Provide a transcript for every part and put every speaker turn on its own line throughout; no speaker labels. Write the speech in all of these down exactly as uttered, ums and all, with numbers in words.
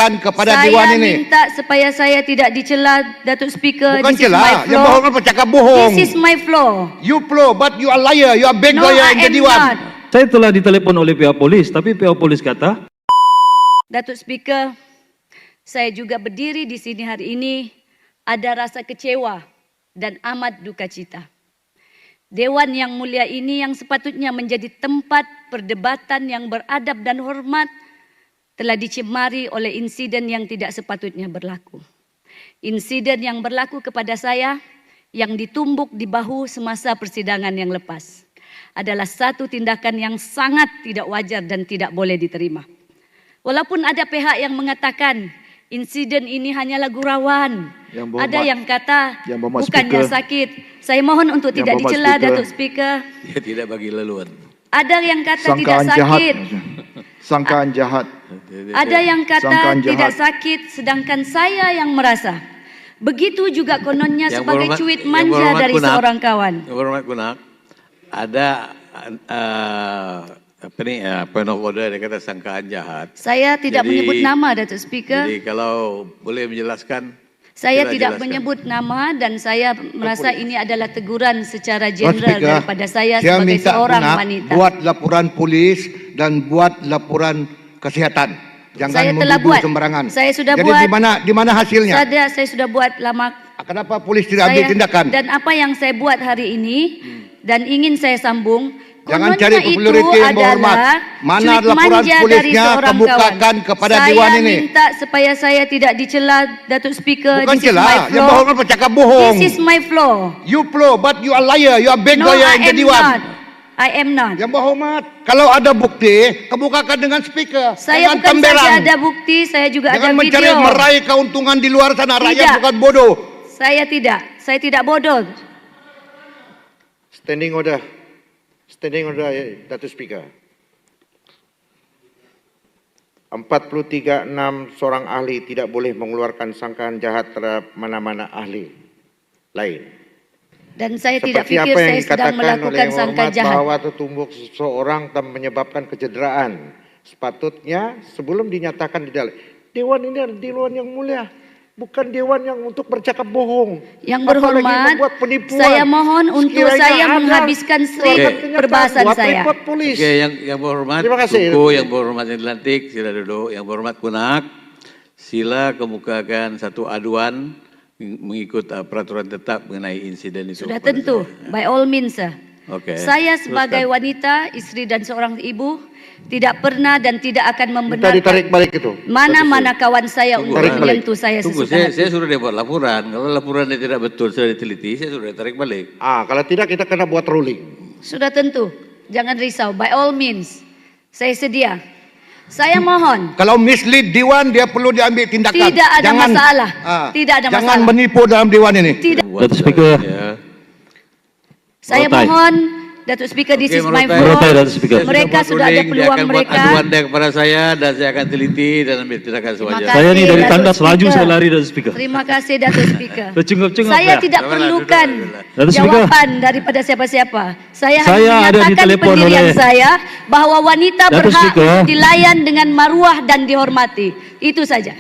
kemukakan kepada
saya
Dewan ini.
Saya minta supaya saya tidak dicela, Datuk Speaker.
Bukan
This
cela,
is my
yang
floor.
bohong kan bercakap bohong.
This is my floor.
You flow, but you are liar. You are big
No,
liar
I
in the
am
Dewan.
not.
Saya telah ditelepon oleh pihak polis, tapi pihak polis kata,
Datuk Speaker, saya juga berdiri di sini hari ini ada rasa kecewa dan amat duka cita. Dewan yang mulia ini yang sepatutnya menjadi tempat perdebatan yang beradab dan hormat telah dicemari oleh insiden yang tidak sepatutnya berlaku. Insiden yang berlaku kepada saya yang ditumbuk di bahu semasa persidangan yang lepas adalah satu tindakan yang sangat tidak wajar dan tidak boleh diterima. Walaupun ada pihak yang mengatakan insiden ini hanyalah gurauan,
Yang berhormat-
ada yang kata
yang berhormat
bukannya
Speaker.
sakit. Saya mohon untuk
Yang
tidak
berhormat
dicela,
Speaker.
Datuk Speaker.
Dia tidak bagi laluan.
Ada yang kata tidak
Sangkaan jahat.
sakit.
Sangkaan jahat.
Ada yang kata
Sangkaan
tidak
jahat.
sakit, sedangkan saya yang merasa. Begitu juga kononnya
Yang
sebagai
berhormat-
cuit
yang
manja
berhormat
dari
Kunak.
seorang kawan.
Yang berhormat Kunak, ada uh, apa ni, uh, point of order, dia kata sangkaan jahat.
Saya tidak
Jadi-
menyebut nama, Datuk Speaker.
Jadi kalau boleh menjelaskan.
Saya
sila
tidak
jelaskan.
menyebut nama dan saya merasa ini adalah teguran secara
Tuan
jeneral
Speaker,
daripada saya
saya
sebagai
minta
seorang
Kunak
wanita.
buat laporan polis dan buat laporan kesihatan. Jangan
Saya telah
menuduh
buat.
sembarangan.
Saya sudah
Jadi
buat.
di mana di mana hasilnya?
Saya, saya sudah buat lama.
Kenapa polis tidak ambil
Saya-
tindakan?
Dan apa yang saya buat hari ini dan ingin saya sambung,
Jangan
kononnya
cari
itu
populariti yang berhormat.
adalah
Mana
cuit
laporan
manja dari
polisnya,
seorang
kemukakan
kawan.
kepada
saya
Dewan ini.
Saya minta supaya saya tidak dicela, Datuk Speaker.
Bukan
This is
cela,
my
yang
floor.
bohong kan bercakap bohong.
This is my floor.
You flow, but you are liar. You are big
No,
liar
I
in the
am
Dewan.
not. I am not.
Yang berhormat, kalau ada bukti, kemukakan dengan speaker.
Saya
Jangan
bukan
tembelang.
saja ada bukti, saya juga
Jangan
ada
mencari
video.
meraih keuntungan di luar sana. Rakyat
Tidak.
bukan bodoh.
Saya tidak. Saya tidak bodoh.
Standing order. Standing order, Datuk Speaker. empat puluh tiga enam seorang ahli tidak boleh mengeluarkan sangkaan jahat terhadap mana-mana ahli lain.
Dan saya tidak
Seperti
fikir
apa yang
saya sedang
dikatakan oleh
melakukan
Yang
sangka
Hormat
jahat.
bahwa tertumbuk seseorang dan menyebabkan kecederaan. Sepatutnya sebelum dinyatakan di dalam Dewan ini adalah Dewan yang mulia, bukan Dewan yang untuk bercakap bohong.
Yang
Apalagi
berhormat,
membuat penipuan.
saya mohon untuk
Sekiranya
saya
ada,
menghabiskan strip
keluarkan kenyataan,
perbahasan
buat
saya.
report polis.
Okey, yang yang berhormat
Terima kasih.
Tuku, yang berhormat yang dilantik, sila duduk. Yang berhormat Kunak, sila kemukakan satu aduan mengikut uh, peraturan tetap mengenai insiden itu.
Sudah
kepada
tentu,
saya.
by all means, sir.
Okey,
Saya sebagai
teruskan.
wanita, isteri dan seorang ibu, tidak pernah dan tidak akan
Minta
membenarkan
ditarik balik itu.
mana-mana kawan saya
Tunggu,
untuk
tarik balik.
menyentuh saya
Tunggu,
sesuka
saya,
hati.
saya sudah dia buat laporan. Kalau laporan dia tidak betul, sudah diteliti, saya sudah tarik balik.
Ah, kalau tidak kita kena buat ruling.
Sudah tentu, jangan risau, by all means, saya sedia. Saya mohon,
Kalau mislead Dewan, dia perlu diambil tindakan.
Tidak ada masalah.
ah,
Tidak ada
Jangan
masalah.
menipu dalam Dewan ini.
tidak.
Buat
Datuk Speaker.
saya.
Saya
Merotai.
mohon, Datuk Speaker, this
Okey,
is my
Merotai.
floor.
Merotai, Datuk Speaker.
Saya
Mereka
buat
sudah ada
ruling, dia
peluang
akan buat
mereka.
aduan dia kepada saya dan saya akan teliti dan ambil tindakan sewajarnya.
kasih.
saya ni dari
Datuk
tandas laju
Speaker.
saya lari Datuk Speaker.
Terima kasih, Datuk Speaker.
Tercungap-cungap
Saya
saya.
tidak
Duduk,
perlukan
duduk, duduk.
Datuk Speaker.
jawapan daripada siapa-siapa. Saya,
Saya
hanya
ada
menyatakan
ditelepon
pendirian
oleh-
saya bahawa wanita
Datuk
berhak
Speaker.
dilayan dengan maruah dan dihormati. Itu saja.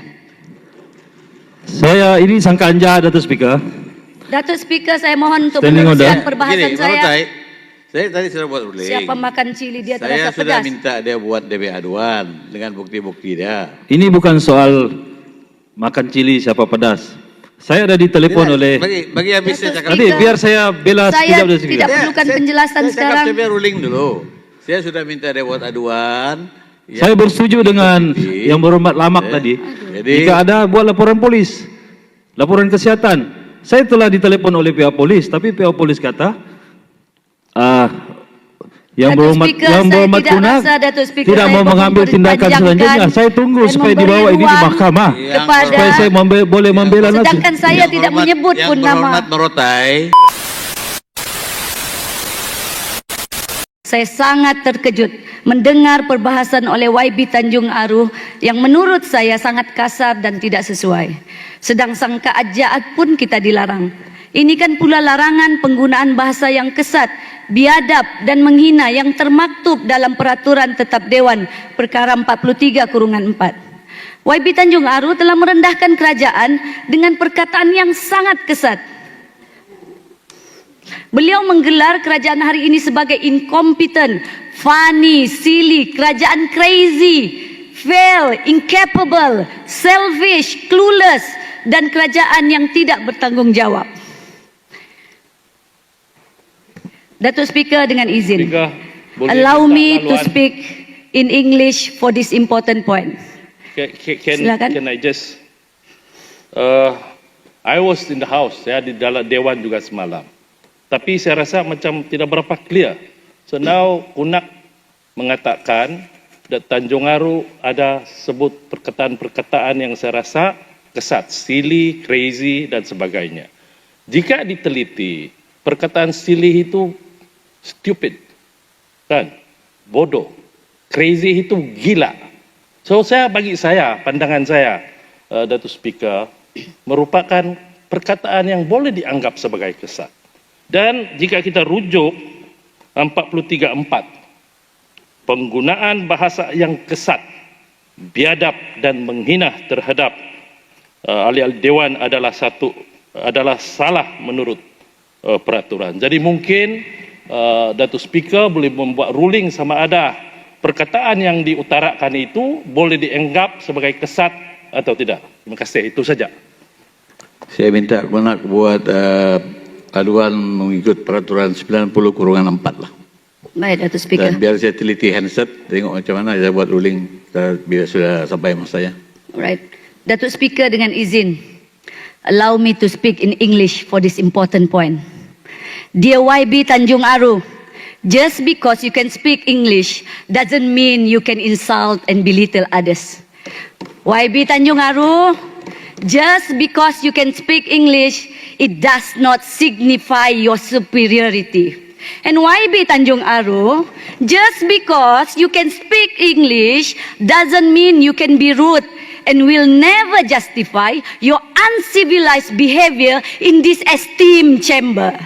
Saya ini sangkaan jahat Datuk Speaker.
Datuk Speaker, saya mohon untuk
Standing
meneruskan
order.
perbahasan
Gini,
saya.
Merotai, saya tadi sudah buat ruling.
Siapa makan cili dia
Saya
terasa
sudah
pedas.
minta dia buat D B aduan dengan bukti-bukti dia.
Ini bukan soal makan cili siapa pedas. Saya ada ditelepon
Tidak,
oleh
bagi bagi habis saya
Datuk
cakap.
Nanti
Speaker.
biar saya bela
Saya
sekejap Datuk
tidak
Speaker.
perlukan penjelasan
saya
sekarang.
Cakap saya biar ruling dulu. Saya sudah minta dia buat aduan.
Saya bersetuju dengan
bukti.
yang berhormat Lamak
Eh,
tadi.
jadi-
Jika ada buat laporan polis, laporan kesihatan. Saya telah ditelepon oleh pihak polis, tapi pihak polis kata, ah, yang
Datuk
berhormat
Speaker,
yang
saya
berhormat
tidak
Kunak
rasa, Datuk Speaker,
tidak
saya
mau
mohon
mengambil tindakan
dipanjangkan
selanjutnya. Saya tunggu
dan
supaya
memberi
dibawa ini di
ruang
mahkamah.
Yang
kepada-
Supaya saya membe- boleh membela nanti.
Sedangkan saya
Yang
tidak
berhormat-
menyebut
yang
pun nama.
berhormat Merotai.
Saya sangat terkejut mendengar perbahasan oleh Y B Tanjung Aruh yang menurut saya sangat kasar dan tidak sesuai. Sedang sangka jahat pun kita dilarang. Ini kan pula larangan penggunaan bahasa yang kesat, biadab dan menghina yang termaktub dalam peraturan tetap Dewan perkara empat puluh tiga kurungan empat. Y B Tanjung Aru telah merendahkan kerajaan dengan perkataan yang sangat kesat. Beliau menggelar kerajaan hari ini sebagai incompetent, funny, silly, kerajaan crazy, fail, incapable, selfish, clueless, dan kerajaan yang tidak bertanggungjawab. Datuk Speaker, dengan izin,
Speaker, boleh
allow
minta
me to
laluan?
speak in English for this important point.
Can, can, can,
Silakan.
can I just... Uh, I was in the house, saya di dalam Dewan juga semalam. Tapi saya rasa macam tidak berapa clear. So now Kunak mengatakan that Tanjung Aru ada sebut perkataan-perkataan yang saya rasa kesat, silly, crazy dan sebagainya. Jika diteliti, perkataan silly itu stupid, kan? Bodoh. Crazy itu gila. So saya bagi saya, pandangan saya, uh, Datuk Speaker, merupakan perkataan yang boleh dianggap sebagai kesat. Dan jika kita rujuk empat puluh tiga empat, penggunaan bahasa yang kesat, biadab dan menghina terhadap uh, ahli-ahli dewan adalah satu adalah salah menurut uh, peraturan. Jadi mungkin uh, Datuk Speaker boleh membuat ruling sama ada perkataan yang diutarakan itu boleh dianggap sebagai kesat atau tidak. Terima kasih, itu saja.
Saya minta Kunak buat uh, aduan mengikut peraturan sembilan puluh kurungan empat lah.
Baik, Datuk Speaker.
Dan biar saya teliti handset, tengok macam mana saya buat ruling uh, bila sudah sampai masanya.
Alright. Datuk Speaker, dengan izin, allow me to speak in English for this important point. Dear Y B Tanjung Aru, just because you can speak English doesn't mean you can insult and belittle others. Y B Tanjung Aru, just because you can speak English, it does not signify your superiority. And Y B Tanjung Aru, just because you can speak English doesn't mean you can be rude and will never justify your uncivilized behavior in this esteemed chamber.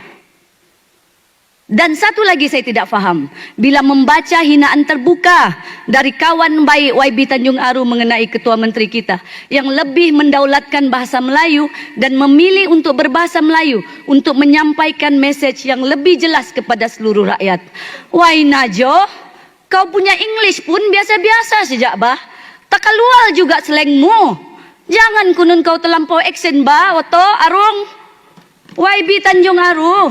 Dan satu lagi saya tidak faham, bila membaca hinaan terbuka dari kawan baik Y B Tanjung Aru mengenai Ketua Menteri kita yang lebih mendaulatkan bahasa Melayu dan memilih untuk berbahasa Melayu untuk menyampaikan mesej yang lebih jelas kepada seluruh rakyat. Wai Najo, kau punya English pun biasa-biasa sejak bah. Tak keluar juga slangmu. Jangan kunun kau terlampau aksen bah, Oto, Arung. Y B Tanjung Aru,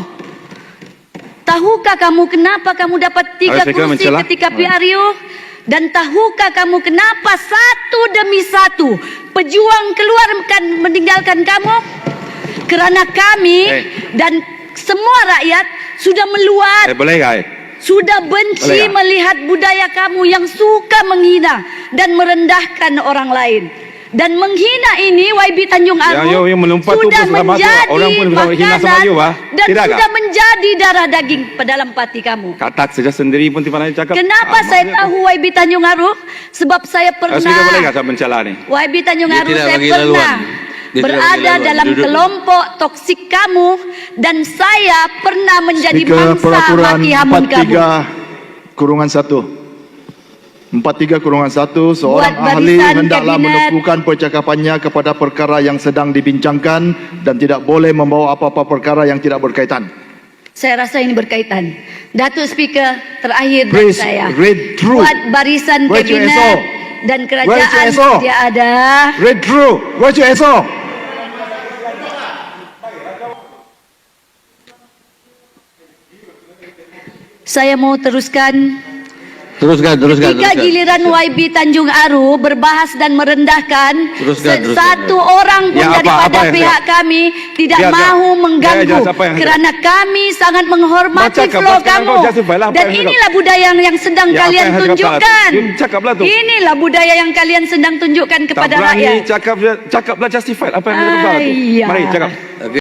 tahukah kamu kenapa kamu dapat tiga kursi ketika P R U? Dan tahukah kamu kenapa satu demi satu pejuang keluarkan meninggalkan kamu? Kerana kami
hey.
dan semua rakyat sudah meluat,
Eh, boleh tak?
sudah benci
Boleh tak?
melihat budaya kamu yang suka menghina dan merendahkan orang lain. Dan menghina ini Y B Tanjung Aru
Yang- yang melompat tu
sudah
pun sudah masuk.
menjadi
Orang pun bisa hina sama
makanan
you, bah.
dan
Tidak
sudah
kah?
menjadi darah daging dalam hati kamu.
Katak saja sendiri pun tiba-tiba cakap.
Kenapa
ah,
saya
maksudnya
tahu Y B Tanjung Aru? Sebab saya
tu. Ah,
pernah
Speaker boleh tak saya mencela ni?
Y B Tanjung
Dia
Aru
tidak
saya
bagi
pernah
laluan. Dia tidak
berada
bagi laluan.
dalam
Duduk.
kelompok toksik kamu dan saya pernah menjadi
Speaker
mangsa
Peraturan
maki hamun
empat
kamu.
tiga kurungan satu. empat tiga kurungan satu, seorang
Buat
ahli
barisan
hendaklah
kabinet.
menumpukan percakapannya kepada perkara yang sedang dibincangkan dan tidak boleh membawa apa-apa perkara yang tidak berkaitan.
Saya rasa ini berkaitan. Datuk Speaker, terakhir dari
Please
saya.
read through.
Buat barisan
Where's your
kabinet
S O?
dan
Where's your
kerajaan
S O?
dia ada.
Read through. Where's your S O?
Saya mau teruskan.
Teruskan, teruskan,
Ketika
teruskan.
giliran Y B Tanjung Aru berbahas dan merendahkan,
Teruskan,
se-
teruskan,
satu
teruskan.
orang pun
Ya, apa-
daripada
apa yang
pihak kami tidak
Biar, biar.
mahu mengganggu
Ya, ya, siapa yang-
kerana kami sangat menghormati
Baca,
flow
sekarang
kamu.
kau justify lah apa
Dan
yang saya
inilah budaya yang, yang sedang
Ya, apa
kalian
yang saya cakap
tunjukkan.
salah. You cakaplah tu.
Inilah budaya yang kalian sedang tunjukkan
Tak
kepada
berani
rakyat.
cakap, cakaplah justified apa yang saya cakap salah tu.
Ayah.
Mari cakap.